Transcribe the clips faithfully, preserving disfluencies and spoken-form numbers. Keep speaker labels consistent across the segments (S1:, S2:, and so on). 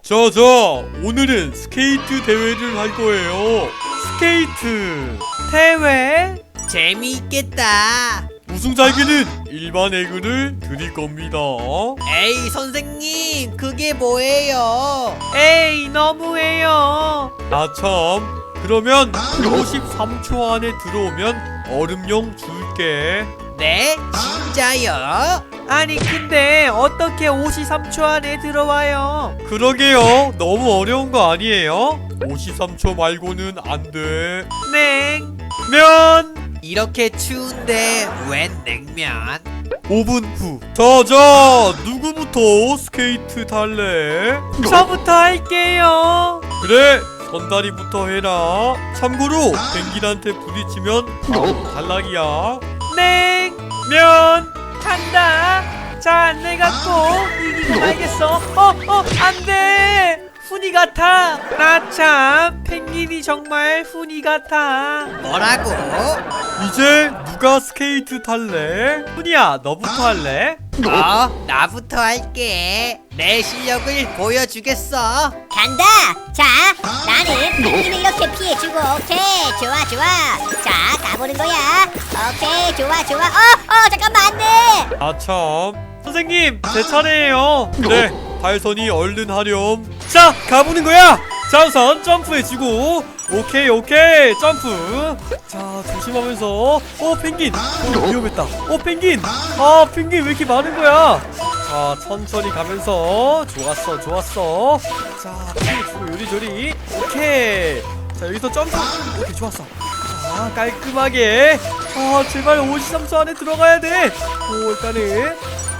S1: 자자, 오늘은 스케이트 대회를 할 거예요. 스케이트
S2: 대회?
S3: 재미있겠다.
S1: 우승자에게는 일반 에그를 드릴 겁니다.
S3: 에이 선생님, 그게 뭐예요?
S2: 에이, 너무해요.
S1: 아참, 그러면 오십삼 초 안에 들어오면 얼음용 줄게.
S3: 네? 진짜요?
S2: 아니 근데 어떻게 오십삼 초 안에 들어와요?
S1: 그러게요, 너무 어려운 거 아니에요? 오십삼 초 말고는 안 돼.
S2: 냉.
S1: 면
S3: 이렇게 추운데 웬 냉면?
S1: 오 분 후. 자자, 누구부터 스케이트 탈래?
S2: 저부터 할게요.
S1: 그래, 선다리부터 해라. 참고로 펭귄한테 부딪히면 바로 탈락이야.
S2: 냉.
S1: 면
S2: 간다. 자, 내가 꼭 이기고 말겠어. 어, 어, 안 돼. 훈이 같아. 나 참 펭귄이 정말 훈이 같아.
S3: 뭐라고?
S1: 이제 누가 스케이트 탈래?
S2: 훈이야, 너부터 할래?
S3: 어? 나부터 할게. 내 실력을 보여주겠어.
S4: 간다! 자, 나는 펭귄을 이렇게 피해주고, 오케이, 좋아, 좋아. 자, 가보는 거야. 오케이, 좋아, 좋아. 어, 어, 잠깐만, 안 돼!
S1: 아참.
S2: 선생님, 제 차례예요.
S1: 그래, 달선이 얼른 하렴.
S2: 자, 가보는 거야. 자, 우선 점프해주고. 오케이, 오케이, 점프. 자, 조심하면서. 어, 펭귄. 어, 위험했다. 어, 펭귄. 아, 펭귄 왜 이렇게 많은 거야? 자, 천천히 가면서. 좋았어, 좋았어. 자, 피해주고 요리조리. 오케이. 자, 여기서 점프. 오케이, 좋았어. 자, 깔끔하게. 아, 제발 오십삼 초 안에 들어가야 돼. 오, 일단은.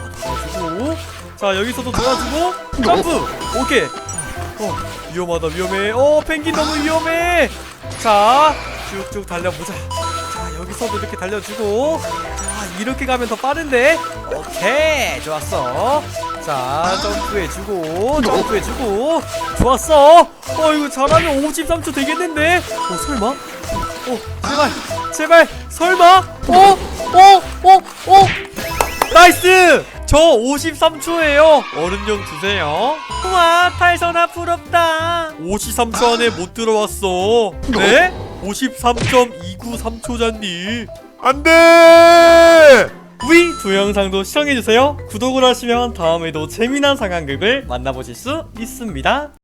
S2: 도와주고. 자, 여기서도 도와주고. 점프. 오케이. 어, 위험하다, 위험해. 어, 펭귄 너무 위험해. 자, 쭉쭉 달려보자. 자, 여기서도 이렇게 달려주고. 자, 이렇게 가면 더 빠른데. 오케이, 좋았어. 자, 점프해주고, 점프해주고. 좋았어. 어, 이거 잘하면 오십삼 초 되겠는데. 어, 설마? 어, 제발, 제발, 설마? 어, 어, 어, 어. 나이스! 저 오십삼 초예요.
S1: 얼음용 주세요.
S2: 우와, 탈선아 부럽다.
S1: 오십삼 초 안에 못 들어왔어.
S2: 네?
S1: 오십삼 점 이구삼 초잖니. 안 돼!
S2: 위 두 영상도 시청해주세요. 구독을 하시면 다음에도 재미난 상황극을 만나보실 수 있습니다.